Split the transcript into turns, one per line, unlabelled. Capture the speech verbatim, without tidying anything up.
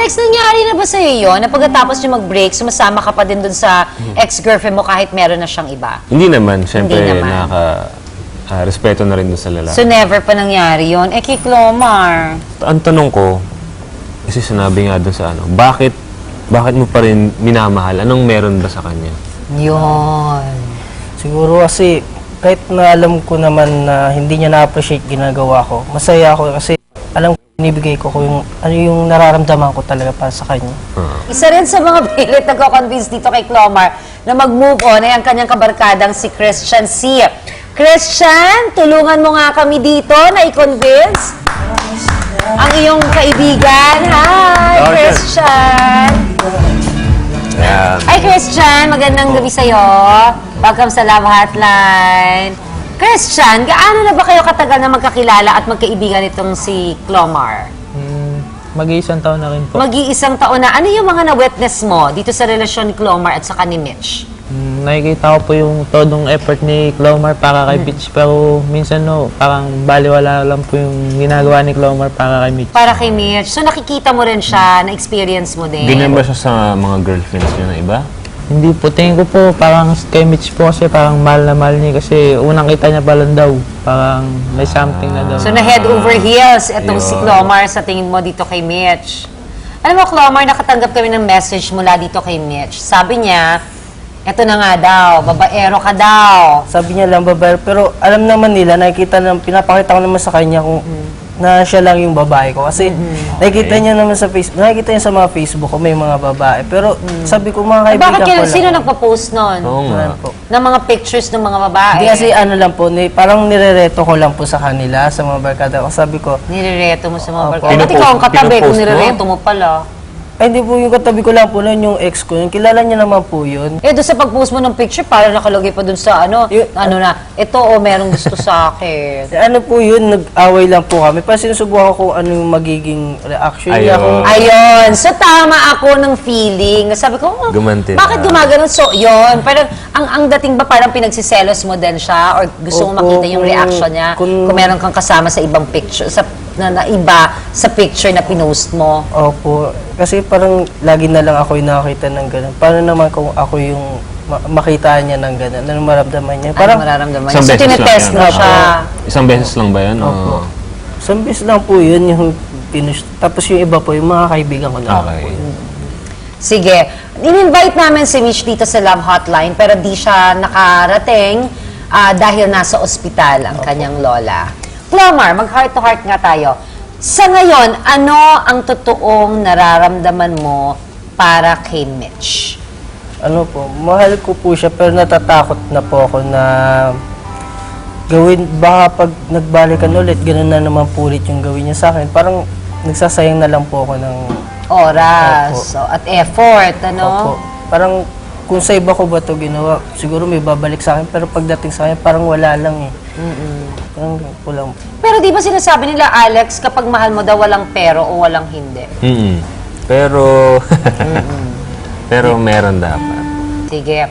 Alex, nangyari na ba sa'yo yun? Na pagkatapos nyo mag-break, sumasama ka pa din dun sa ex-girlfriend mo kahit meron na siyang iba?
Hindi naman. Siyempre,
Hindi naman.
nakaka... ah, respeto na rin dun sa lalaki.
So, never pa nangyari yun? Eh, kay Clomar.
Ang tanong ko, kasi sinabi nga dun sa ano, bakit, bakit mo pa rin minamahal? Anong meron ba sa kanya?
Yun.
Siguro kasi kahit na alam ko naman na hindi niya na-appreciate ginagawa ko, masaya ako kasi alam ko binibigay ko kung yung, ano yung nararamdaman ko talaga para sa kanya.
Uh,
Isa rin sa mga pilit nagko-convince dito kay Clomar na mag-move on ay ang kanyang kabarkadang si Christian C. Christian, tulungan mo nga kami dito na i-convince ang iyong kaibigan. Hi,
Okay.
Christian!
yeah.
Hi, Christian! Magandang gabi sa'yo. Welcome sa Love Hotline. Christian, gaano na ba kayo katagal na magkakilala at magkaibigan itong si Clomar?
Hmm, mag-iisang taon na rin po.
Mag-iisang taon na. Ano yung mga na-witness mo dito sa relasyon ni Clomar at saka ni Mitch?
Hmm, nakikita ko po yung todong effort ni Clomar para kay Mitch, pero minsan no, parang baliwala lang po yung ginagawa ni Clomar para kay Mitch.
Para kay Mitch. So nakikita mo rin siya, na-experience mo din.
Ganyan ba siya sa mga girlfriends niya na iba?
Hindi po, tingin ko po parang kay Mitch po kasi parang mahal na mahal niya kasi unang kita niya pa lang daw, parang may something na daw.
So na head over heels itong si
Yun.
Clomar sa tingin mo dito kay Mitch. Alam mo, Clomar, nakatanggap kami ng message mula dito kay Mitch. Sabi niya, eto na nga daw, babaero ka daw.
Sabi niya lang babae, pero alam naman nila, nakikita na, pinapakita ko naman sa kanya kung na siya lang yung babae ko. Kasi nakikita niya naman sa Facebook, nakikita niya sa mga Facebook ko may mga babae. Pero sabi ko mga
Eh,
kaibigan
bakit
ko
kayo,
lang.
sino nagpa-post nun?
Oo nga.
Ayan po.
Ng mga pictures ng mga babae?
Hindi kasi ano lang po, ni, parang nirereto ko lang po sa kanila, sa mga barkada ko. Sabi ko,
Nirereto mo sa mga
Opo.
barkada. Ba't ikaw ang katabi kung
Pinupost mo?
nirereto mo pala?
ay hindi po yung katabi ko lang po nun, yung ex ko, yung kilala niya naman po yun.
Eh, doon sa pag-post mo ng picture, parang nakalagay pa doon sa ano,
Yun-
ano na, ito o merong gusto sa akin.
Eh, Ano po yun, nag-away lang po kami. Parang sinusubukan ko kung ano yung magiging reaction niya.
Ayun.
Kung,
Ayun. So, tama ako ng feeling. Sabi ko, oh,
Gumanti
bakit
na.
gumaganon? So, yun. Parang, ang, ang dating ba parang pinagsiselos mo din siya or gusto mo
Opo,
makita yung
kung-
reaction niya kung,
kung-
meron kang kasama sa ibang picture, sa na, na iba sa picture na pinost mo.
Opo. Kasi parang lagi na lang ako yung nakakita ng gano'n. Paano naman kung ako yung ma- makita niya ng gano'n? Ano maramdaman niya?
Ano
Parang
mararamdaman niya?
Isang
So,
beses lang
tinetest
yan.
mo siya.
Isang beses lang ba yan?
Opo.
Oo.
Sambis lang po yun yung pinush. Tapos yung iba po, yung mga kaibigan ko na
Okay.
Sige. In-invite namin si Mitch dito sa Love Hotline pero di siya nakarating ah, dahil nasa ospital ang kanyang lola. Clomar, mag-heart to heart nga tayo. Sa ngayon, ano ang totoong nararamdaman mo para kay Mitch?
Ano po, mahal ko po siya pero natatakot na po ako na gawin, baka pag nagbalikan ulit, ganun na naman po ulit yung gawin niya sa akin. Parang nagsasayang na lang po ako ng
Oras
Opo.
so, at effort, ano?
Opo. Parang kung sa iba ko ba ito ginawa, siguro may babalik sa akin, pero pagdating sa akin, parang wala lang eh. Parang kulang.
Pero di ba sinasabi nila, Alex, kapag mahal mo daw walang pero o walang hindi?
Mm-mm. Pero, pero meron dapat.
Sige.